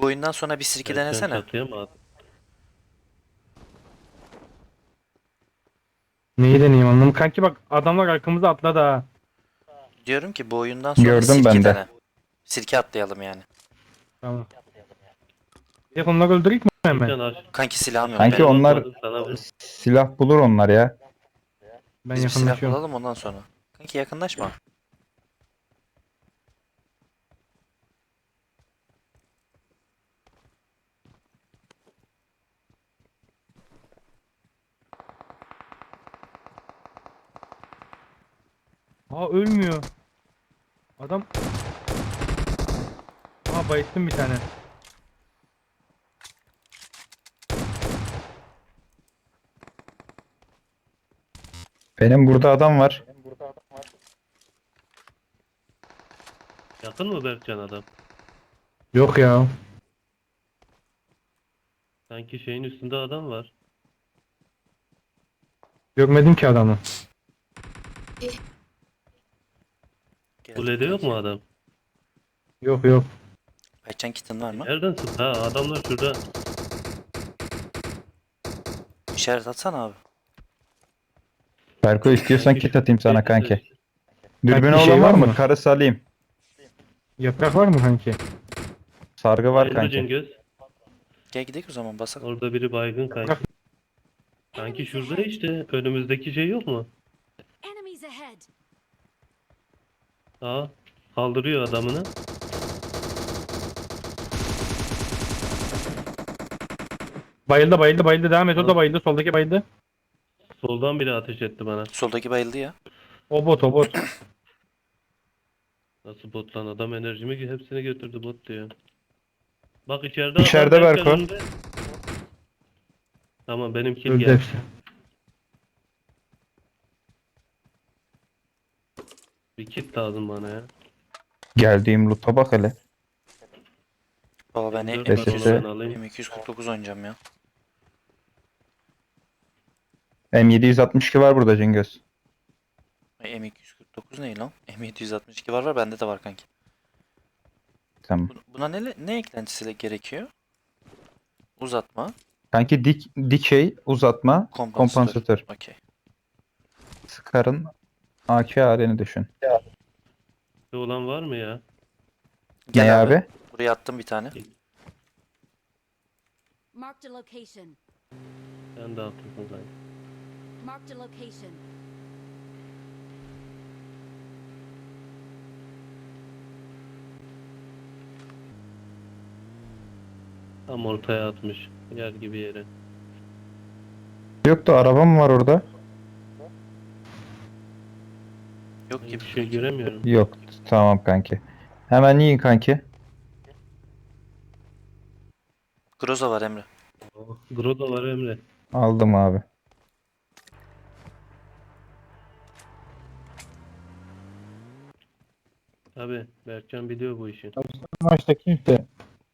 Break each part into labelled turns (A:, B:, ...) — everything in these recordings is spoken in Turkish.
A: oyundan sonra bir sirke
B: Berkcan
A: denesene.
B: çatıya mı attı?
C: Neyi deneyeyim anladım. Kanki bak adamlar arkamıza atladı ha.
A: Diyorum ki bu oyundan sonra
D: Gördüm
A: sirke
D: ben de.
A: dene. Sirke atlayalım yani.
C: Tamam. Bir de onları öldürük mü hemen?
B: Berkcan aç.
A: Kanki silahım yok
D: Kanki
A: benim.
D: onlar
B: Atmadı sana bu.
D: silah bulur onlar ya.
C: Ben
A: Biz bir silah
C: yakınlaşıyorum.
A: bulalım ondan sonra. Kanki yakınlaşma.
C: Aa ölmüyor. Adam. Aa bayılttım bir tane.
D: Benim burada adam var.
B: Yakın mı Berkcan adam?
C: Yok ya.
B: Sanki şeyin üstünde adam var.
C: Görmedim ki adamı.
A: Geldim
B: Kulede yok
A: kanki.
B: mu adam?
C: Yok yok.
A: Ayçen kitin var mı?
B: Nereden sıktı ha? Adamlar şurada.
A: İşaret atsana abi.
D: Berko istiyorsan
B: Sanki
D: kit atayım sana kanki. Dürbünü
C: Kanki şey
D: olan var
C: var
D: mı?
C: mı?
D: Karı salayım.
C: Yaprak var mı kanki?
D: Sargı var
B: Bayıldı
D: kanki.
B: Cingöz.
A: Gel gidelim o zaman basalım.
B: Orada biri baygın kanki. Sanki şurada işte. Önümüzdeki şey yok mu?
E: Enemies ahead.
B: Aa. Kaldırıyor adamını.
C: Bayıldı bayıldı bayıldı. Devam et o da bayıldı. Soldaki bayıldı.
B: Soldan biri ateş etti bana.
A: Soldaki bayıldı ya.
C: O bot o bot.
B: Nasıl bot lan? Adam enerjimi hepsini götürdü bot diyor. Bak içeride
D: İçeride
B: adam Berkcan
D: Berko.
B: önünde. Tamam benim kill
C: Öldü
B: geldi.
C: hepsi.
B: Bir kit lazım bana ya.
D: Geldiğim loot'a bak hele.
A: Baba ben
B: Dört
D: var, onu ben
B: alayım.
A: M249 oynayacağım ya.
D: M762 var burada Cingöz.
A: M249 ne lan? M762 var bende de var kanki.
D: Tamam.
A: Buna ne eklentisiyle gerekiyor? Uzatma,
D: Kanki dikey uzatma kompansatör.
A: Okey.
D: Scar'ın AK halini düşün.
B: Bir olan var mı ya?
A: Gel
D: Ne
A: abi.
D: abi?
A: Buraya attım bir tane.
E: Marked a location.
B: Sen de haklısın kanka.
E: Marked a location.
B: Tam ortaya atmış. Yer gibi yere.
D: Yok da arabam var orada.
A: Yok
B: Ben
A: gibi.
B: bir şey göremiyorum.
D: Yok. Tamam kanki. Hemen yiyin kanki.
A: Groza var Emre.
B: Groda var Emre.
D: Aldım abi.
B: Abi Berkcan biliyor bu işi.
C: Maçta kimse.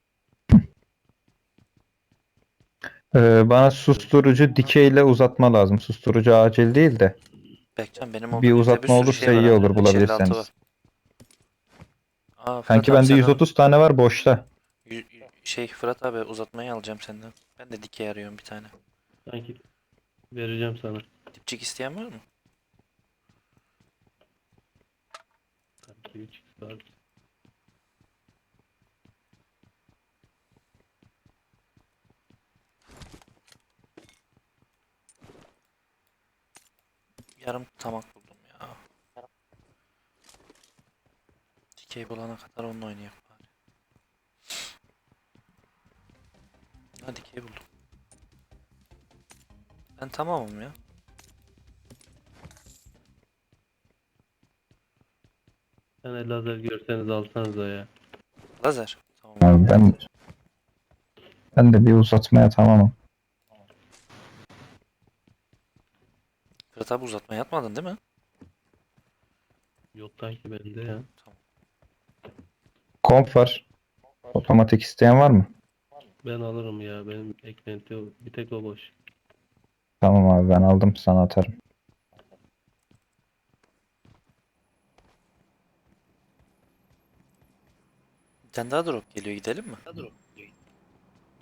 D: Bana susturucu dikeyle uzatma lazım. Susturucu acil değil de.
A: Berkcan benim
D: Bir
A: mobilyada
D: uzatma
A: sürü
D: olursa
A: şey var
D: iyi
A: ha.
D: olur
A: 556
D: bulabilirseniz.
A: var. Aa Fırat
D: Kanki
A: abi
D: bende
A: sen
D: 130 tane var boşta.
A: Fırat abi uzatmayı alacağım senden. Ben de dikey arıyorum bir tane.
B: Sanki vereceğim sana.
A: Dipçik isteyen var mı?
B: Sanki 3 var.
A: Yarım tamak buldum ya. Dikey bulana kadar onunla oynayalım bari. Ha dikey buldum. Ben tamamım ya.
B: Sen de lazer görseniz alsanıza ya.
A: Lazer. Tamam.
D: Abi ben de bir uzatmaya tamamım.
A: Fırat abi uzatmaya yatmadın değil mi?
B: Yok kanki bende ya.
A: Tamam.
D: Komp var. Otomatik isteyen var mı?
B: Ben alırım ya. Benim eklenti bir tek o boş.
D: Tamam abi ben aldım sana atarım.
A: Bir tane daha drop geliyor gidelim mi?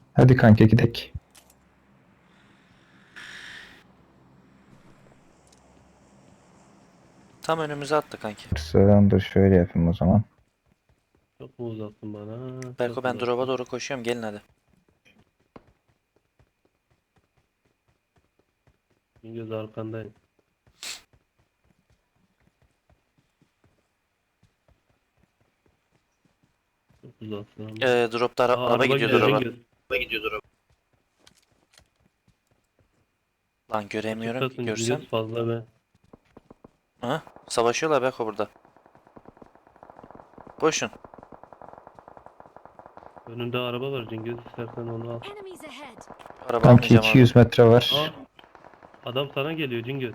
D: Hadi kanka gidek.
A: Tam önümüze attı kanki.
D: Dur şöyle yapayım o zaman.
B: Çok mu uzattın bana?
A: Berko
B: Çok
A: ben
B: uzattın.
A: drop'a doğru koşuyorum. Gelin hadi.
B: Cingöz arkandayım. Çok uzattın ama.
A: Drop'ta
B: Aa,
A: araba gidiyor
B: gidiyor
A: drop'a.
B: Cingöz.
A: Lan göremiyorum ki
B: Açıktasın
A: görsem.
B: Cingöz fazla be.
A: Ha? Savaşıyorlar Berko burada. Koşun.
B: Önünde araba var Cingöz, istersen onu al.
E: Enemies ahead.
A: Araba
D: Kanki
A: almayacağım abi.
D: 200 metre
B: Aa,
D: var.
B: adam sana geliyor Cingöz.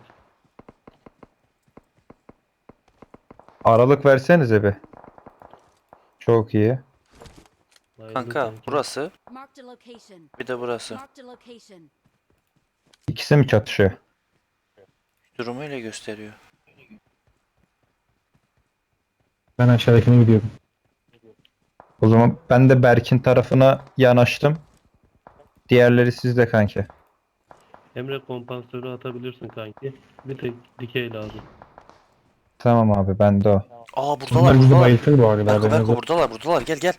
D: Aralık versenize bir. Çok iyi.
B: Bayıldı
A: Kanka
B: sanki.
A: burası
E: Marked a location.
A: bir de burası.
E: Marked a location.
D: İkisi mi çatışıyor?
A: Durumu öyle gösteriyor.
C: Ben aşağıdakine gidiyorum.
D: O zaman ben de Berk'in tarafına yanaştım. Diğerleri sizde kanki.
B: Emre kompansörü atabilirsin kanki. Bir tek dikey lazım.
D: Tamam abi bende o.
A: Aa buradalar
C: Bunlar bizi
A: buradalar.
C: bayıltır bu arada.
A: Berko
C: haberiniz
A: Berko
C: olsun.
A: buradalar gel gel.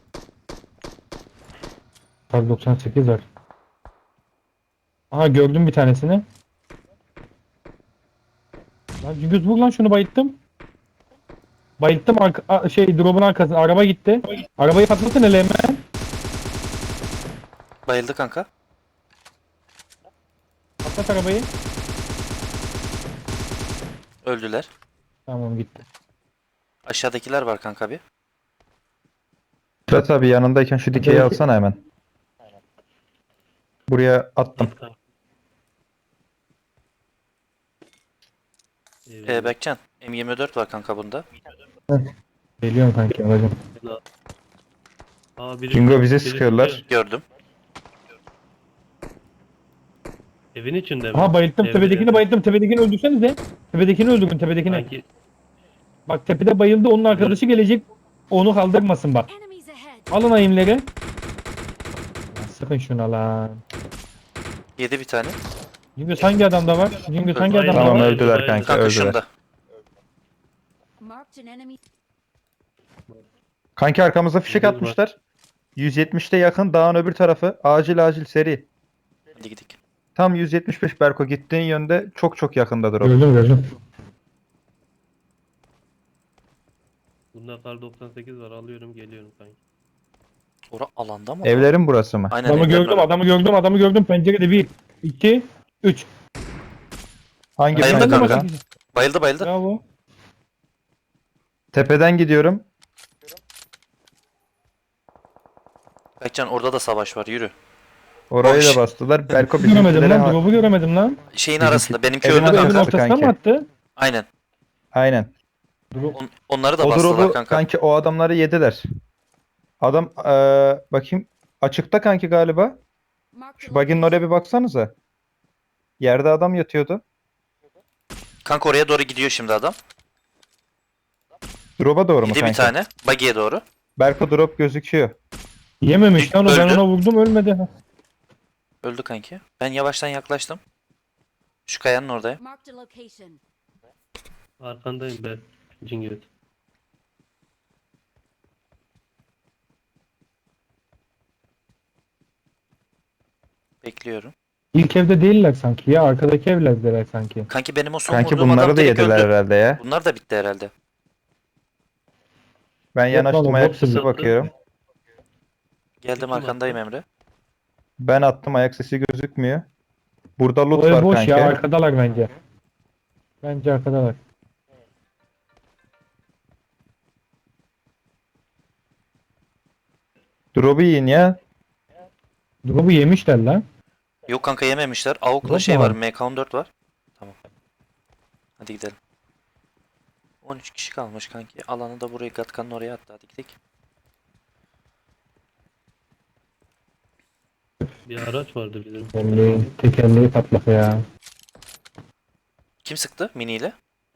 C: Kar 98 var. Aha gördüm bir tanesini. Lan Cingöz vur lan şunu bayılttım. Bayılttım drop'un arkasına araba gitti. Arabayı patlatın hele hemen.
A: Bayıldı kanka.
C: Patlat arabayı.
A: Öldüler.
C: Tamam gitti.
A: Aşağıdakiler var kanka bir.
D: Fırat abi yanındayken şu dikeyi
C: Belki-
D: alsana hemen. Buraya attım.
B: Git kanki. Eyvallah.
A: Berkcan M24 var kanka bunda.
C: Geliyorum kanki alacağım.
B: Aa,
D: Jingo bize
B: biri
D: sıkıyorlar.
B: çıkıyor.
A: Gördüm.
B: Evin içinde mi?
C: Aha bayılttım
B: Evde,
C: tepedekini
B: evde.
C: bayılttım. Tepedekini öldürsenize. Tepedekini öldürün tepedekini.
B: Kanki
C: Bak tepede bayıldı onun arkadaşı gelecek. Onu kaldırmasın bak.
E: Enemies ahead.
C: Alın ayımları. Lan sıkın şuna lan.
A: Yedi bir tane.
C: Cingöz hangi adamda var? Cingöz hangi
B: Hayır,
C: adamda
D: Tamam
C: var?
D: öldüler kanki
A: Kanka
D: öldüler.
A: şunda.
E: Marked an enemy.
D: Kanki arkamıza fişek
B: Cingöz
D: atmışlar. 170'te yakın dağın öbür tarafı. Acil seri.
A: Hadi gidelim.
D: Tam 175 Berko gittiğin yönde çok yakındadır o.
C: Gördüm.
B: bunda kar 98 var, alıyorum geliyorum kanki.
A: Ora alanda mı?
D: Evlerin burası mı?
A: Aynen
C: Adamı
A: evlerin
C: gördüm,
A: orası.
C: adamı gördüm. Pencerede 1, 2, 3.
D: Hangi
A: Bayıldı
D: pencereden?
A: kanka. Bayıldı.
C: Bravo.
D: Tepeden gidiyorum.
A: Berkcan orada da savaş var yürü.
D: Orayı
A: Boş.
D: da bastılar. Berko
C: Göremedim
D: bizimkilere...
C: lan, drop'u göremedim lan.
A: Şeyin
D: Bizimki-
A: arasında benimki
D: Evin
A: öldü
C: Bu evin
A: kanka.
D: arasında.
C: ortasına mı
D: kanki.
C: attı?
A: Aynen.
D: Aynen.
C: Drop.
A: Onları da
D: O
A: bastılar
D: drop'u
A: kanka.
D: kanki o adamları yediler. Adam bakayım açıkta kanki galiba.
E: Marked a
D: Şu bug'in oraya bir baksanıza. Yerde adam yatıyordu.
A: Kanka oraya doğru gidiyor şimdi adam.
D: Drop'a doğru mu
A: Yedi bir
D: kanki?
A: tane. Buggy'e doğru.
D: Berko drop gözüküyor.
C: Yememiş lan o, ben
A: Öldü.
C: ona vurdum ölmedi.
A: Öldü kanki. Ben yavaştan yaklaştım. Şu kayanın orada.
E: Marked a location.
B: Arkandayım ben Cingöz.
A: Bekliyorum.
C: İlk evde değiller sanki ya, arkadaki evlerdeler sanki.
A: Kanki benim o son
D: Kanki
A: vurduğum adam
D: bunları da
A: direkt
D: yediler
A: öldü.
D: herhalde ya.
A: Bunlar da bitti herhalde.
D: Ben
C: Yok
D: yanaştım
C: oğlum,
D: ayak
C: hepsi
D: sesi
C: bitti.
D: bakıyorum.
A: Geldim
B: Kim
A: arkandayım
B: attı?
A: Emre.
D: Ben attım ayak sesi gözükmüyor. Burada loot
C: O ev
D: var
C: boş
D: kanki.
C: ya, arkadalar bence. Bence arkadalar.
D: Drop'u yiyin ya.
C: Drop'u yemişler lan.
A: Yok kanka yememişler. AUK'la
C: Yok
A: şey
C: mu
A: var.
C: var?
A: MK14 var. Tamam. Hadi gidelim. 13 kişi kalmış kanki. Alanı da buraya Gatkan'ın oraya attı. Hadi gidelim.
B: Bir araç vardı bizim.
C: Tekerleği patlak ya.
A: Kim sıktı miniyle?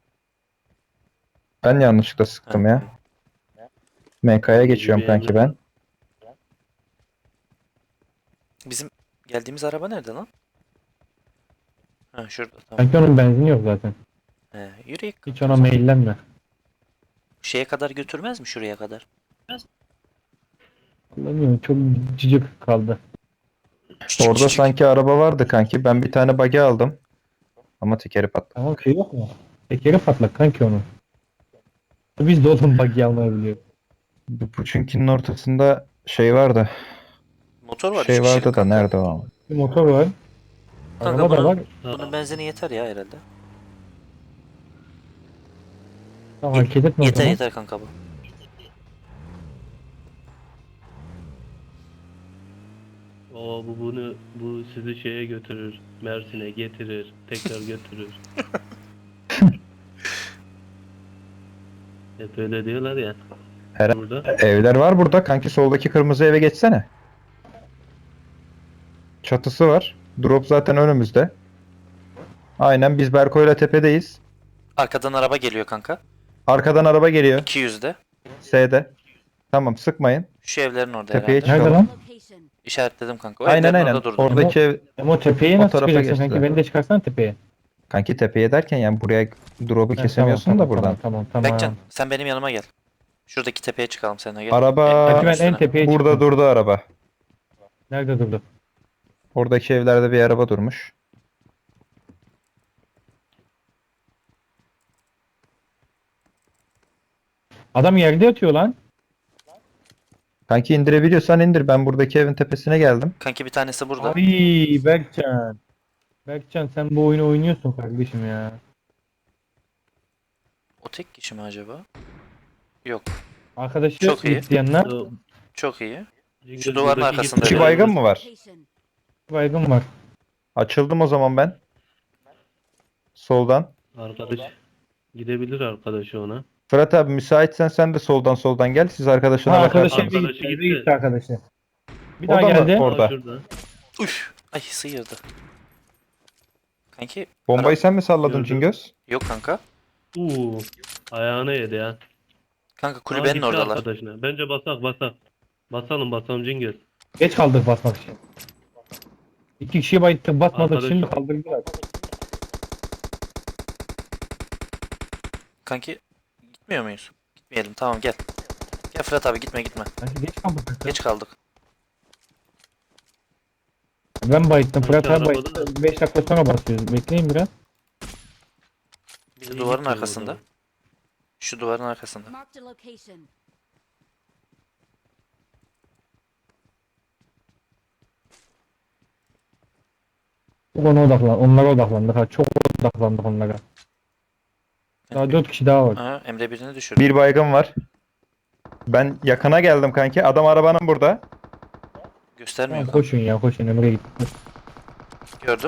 D: Ben yanlışlıkla sıktım
A: Ha.
D: ya. MK'ya geçiyorum kanki ben.
A: Bizim geldiğimiz araba nerede lan? Ha şurada tamam.
C: Kanki onun benzini yok zaten.
A: Yürüyek.
C: Hiç ona meyillenme.
A: Şeye kadar götürmez mi şuraya kadar?
C: Bilmiyorum, çok cıcık kaldı.
A: Küçük
D: Orada
A: küçük.
D: sanki araba vardı kanki. Ben bir tane bug'i aldım. Ama tekeri patladı.
C: Tamam, şey yok mu? Tekeri patlak kanki onun. Biz de oğlum buggy almayı biliyoruz.
D: Bu Puçinki'nin ortasında şey vardı.
A: Motor var.
D: Şey
A: 3 kişilik
D: vardı da
A: kanka.
D: nerede o?
C: Bir motor var.
A: Kanka
C: Araba da var.
A: bunun benzini yeter ya herhalde.
C: Tamam, hareket etme o
A: Yeter
C: zaman.
A: yeter kanka bu.
B: Bu sizi şeye götürür. Mersin'e getirir. Tekrar götürür. Hep öyle diyorlar ya.
D: Her-
B: Burada.
D: Evler var burada. Kanki soldaki kırmızı eve geçsene. Çatısı var. Drop zaten önümüzde. Aynen biz Berko'yla tepedeyiz.
A: Arkadan araba geliyor kanka.
D: Arkadan araba geliyor.
A: 200'de.
D: S'de. Tamam sıkmayın.
A: Şu evlerin orada
D: Tepeye
A: herhalde.
C: Nerede
D: çıkalım.
C: lan?
E: Location.
A: İşaretledim kanka. O
D: Aynen
A: evlerin
D: aynen.
A: orada durdu.
D: Oradaki ev
C: Ama o tepeye
D: O
C: nasıl
D: tarafa
C: çıkacaksın kanki?
D: geçtiler.
C: Beni de çıkarsan tepeye.
D: kanki tepeye derken yani buraya drop'u
C: Ha,
D: kesemiyorsun
C: tamam,
D: da
C: tamam,
D: buradan.
C: Tamam.
A: Berkcan sen benim yanıma gel. Şuradaki tepeye çıkalım seninle gel.
D: Araba
C: Kanki ben en
A: üstüne.
C: tepeye
D: burada
C: çıktım.
D: durdu araba.
C: Nerede durdu?
D: Oradaki evlerde bir araba durmuş.
C: Adam yerde yatıyor lan.
D: Kanki indirebiliyorsan indir. Ben buradaki evin tepesine geldim.
A: Kanki bir tanesi burada.
C: Ay Berkcan. Berkcan sen bu oyunu oynuyorsun kardeşim ya.
A: O tek kişi mi acaba? Yok.
C: Arkadaşı
A: Çok iyi.
C: isteyenler
B: O-
A: Çok iyi.
B: Cingöz
A: duvarın
B: buradaki
A: arkasında
B: gittiler.
D: İki baygın mı var?
E: Location.
C: baygın var.
D: Açıldım o zaman ben. Soldan.
B: Arkadaş. Gidebilir arkadaşı ona.
D: Fırat abi müsaitsen sen de soldan gel. Siz arkadaşına
C: Ha,
D: bakarsınız.
C: arkadaşı eve
B: Arkadaşı
C: gitti.
B: gitti.
C: Eve gitti arkadaşı. Bir
D: O
C: daha
D: da mı
C: geldi.
D: orada?
B: Aa, şurada.
A: Üf. Ay sıyırdı. Kanki.
D: Bombayı sen mi salladın
B: Gördüm.
D: Cingöz?
A: Yok kanka.
B: Ayağına yedi ya.
A: Kanka
B: Aa,
A: kulübenin
B: gitti
A: oradalar.
B: arkadaşına. Bence basak. Basalım Cingöz.
C: Geç kaldık basmak için. İki kişiyi bayılttık basmadık,
B: Arkadaşı-
C: şimdi kaldırdılar.
A: Kanki gitmiyor muyuz? Gitmeyelim tamam gel. Gel Fırat abi gitme.
C: Sanki geç kaldık.
A: Geç kaldık.
C: Ben bayılttım. Fırat abi
B: arabada
C: bayılttı. 5 dakika sonra basıyoruz. Bekleyin biraz.
A: Bir de
B: İyi
A: duvarın
B: gitti o
A: arkasında.
B: zaman.
A: Şu duvarın arkasında.
E: Marked a location.
C: Ona odaklan. Onlara odaklandık. Ha, çok odaklandık onlara. Daha 4 kişi daha var.
A: Aha, Emre birini düşürdü.
D: Bir baygın var. Ben yakına geldim kanki. Adam arabanın burada.
A: Göstermiyor
C: Tamam,
A: kanka.
C: koşun ya koşun. Emre gitti.
A: Gördüm.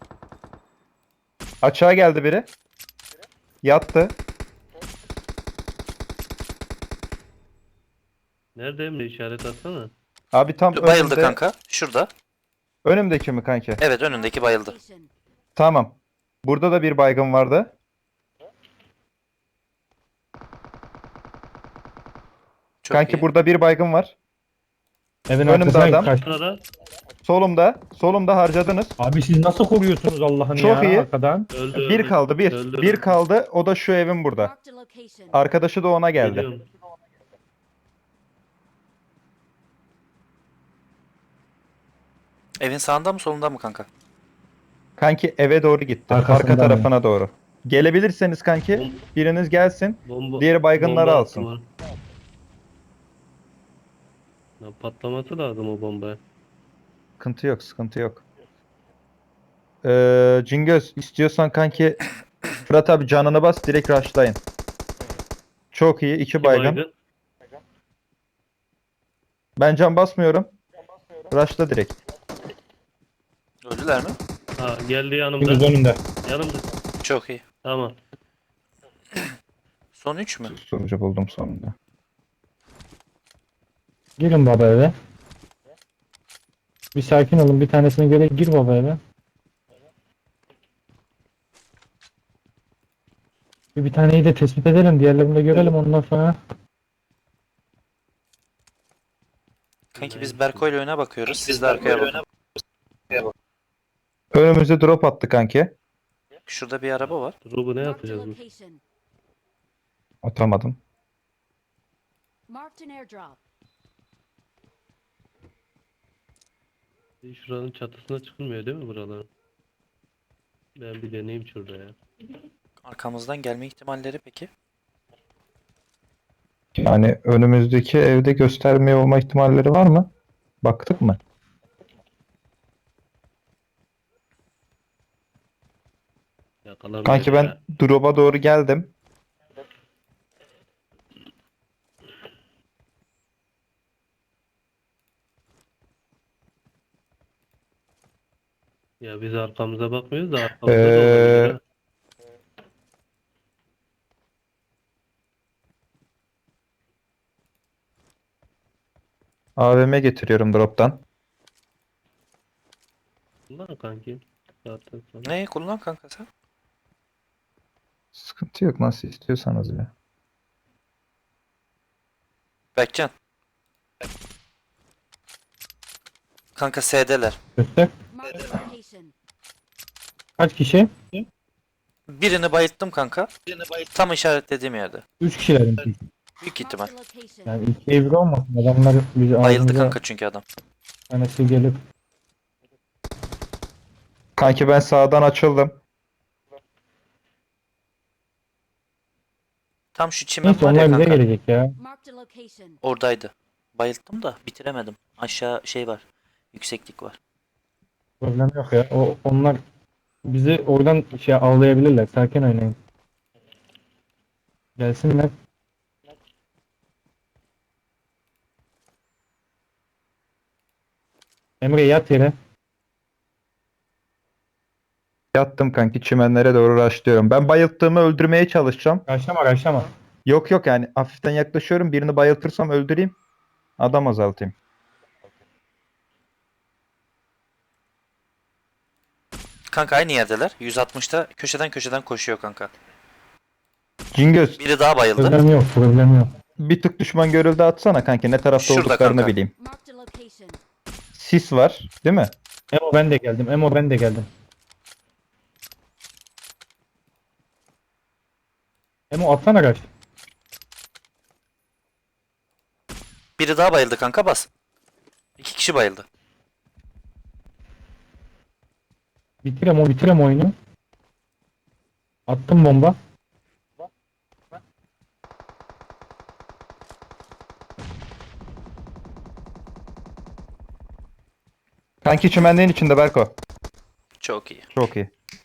D: Açığa geldi biri. Yattı.
B: Nerede Emre, işaret atsana.
D: Abi tam
A: Bayıldı
D: önümde.
A: kanka. Şurada.
D: Önümdeki mi kanki?
A: Evet önündeki bayıldı.
E: Location.
D: Tamam. Burada da bir baygın vardı.
A: Çok
D: Kanki
A: iyi.
D: burada bir baygın var.
C: Evin
D: Önümde
C: arkasına
D: adam.
C: kaç.
B: Sırada
D: Solumda harcadınız.
C: Abi siz nasıl koruyorsunuz Allah'ını
D: Çok
C: ya
D: iyi.
C: arkadan?
B: öldü.
D: Bir kaldı bir.
B: Öldü.
D: Bir kaldı. O da şu evin burada.
E: Marked a location.
D: Arkadaşı da ona geldi.
B: Geliyorum.
A: Evin sağında mı solunda mı kanka?
D: Kanki eve doğru gitti.
C: Arkasından
D: Arka
C: mı?
D: tarafına doğru. Gelebilirseniz kanki biriniz gelsin.
B: Bomba,
D: Diğeri baygınları
B: bomba
D: alsın.
B: attılar. Ya patlaması lazım o bombaya.
D: Sıkıntı yok. Cingöz istiyorsan kanki Fırat abi canını bas direkt rushlayın. Çok iyi. İki
B: İki
D: baygın. Ben can basmıyorum. Rushla direkt.
A: Öldüler mi?
B: Ha, geldi
C: Şimdi
B: yanımda.
C: önünde.
B: Yanımda.
A: Çok iyi.
B: Tamam.
A: Son 3 mü?
D: Sonucu buldum sonunda.
C: Girin baba eve. Bir sakin olun. Bir tanesine göre gir baba eve. Bir taneyi de tespit edelim. Diğerlerini de görelim ondan sonra.
A: Kanki biz Berko ile öne bakıyoruz. Siz de arkaya bakın.
D: Önümüze drop attı kanki.
A: Şurada bir araba var.
B: Drop'u ne
E: Marked a
B: yapacağız biz?
E: location.
D: Atamadım.
E: Marked an airdrop.
B: Şuranın çatısına çıkılmıyor değil mi buraların? Ben bir deneyeyim şurada ya.
A: Arkamızdan gelme ihtimalleri peki?
D: Yani önümüzdeki evde göstermiyor olma ihtimalleri var mı? Baktık mı?
B: Yakalanmıyor
D: Kanki ben
B: ya.
D: drop'a doğru geldim.
B: Ya biz arkamıza bakmıyoruz da arkamızda da
D: Ee,
B: olabilir ha.
D: AVM getiriyorum drop'tan.
B: Ulan kanki. Zaten sonra.
A: Ne kullan kanka sen?
D: Sıkıntı yok, nasıl istiyorsanız ya.
A: Berkcan. Kanka S'deler.
C: Göster.
E: Marked a location.
C: Kaç kişi?
A: Birini bayılttım kanka. Tam işaretlediğim yerde.
C: 3 kişilerin.
A: Büyük ihtimal.
E: Marked a location.
C: Yani 2'ye 1 olmasın. Adamlar bizi
A: Bayıldı
C: ağzımıza
A: kanka çünkü adam.
C: tanesi gelip
D: Kanki ben sağdan açıldım.
A: Tam şu çimen
C: neyse
A: var ya
C: onlar bize
A: kanka.
C: gelecek ya.
E: Marked a location.
A: Oradaydı. Bayılttım da bitiremedim. Aşağı şey var. Yükseklik var.
C: Problem yok ya. Onlar bizi oradan şey avlayabilirler. Sakin oynayın. Gelsinler. Emre yat yere.
D: Yattım kanki, çimenlere doğru rushlıyorum. Ben bayılttığımı öldürmeye çalışacağım.
C: Kaçlama kaçlama.
D: Yok yok, yani hafiften yaklaşıyorum. Birini bayıltırsam öldüreyim. Adam azaltayım.
A: Kanka aynı yerdeler. 160'ta köşeden koşuyor kanka.
D: Cingöz,
A: Biri daha bayıldı.
C: Problem yok. Problem yok.
D: bir tık düşman görüldü atsana kanki. Ne tarafta
A: Şurada
D: olduklarını
A: kanka.
D: bileyim.
E: Marked a location.
D: Sis var değil mi?
C: Emo ben de geldim. Emo ben de geldim. Emo atsana kaç.
A: Biri daha bayıldı kanka bas. 2 kişi bayıldı.
C: Bitir Emo oyunu. Attım bomba.
D: Kanki çimenliğin içinde Berko.
A: Çok iyi.
D: Çok iyi.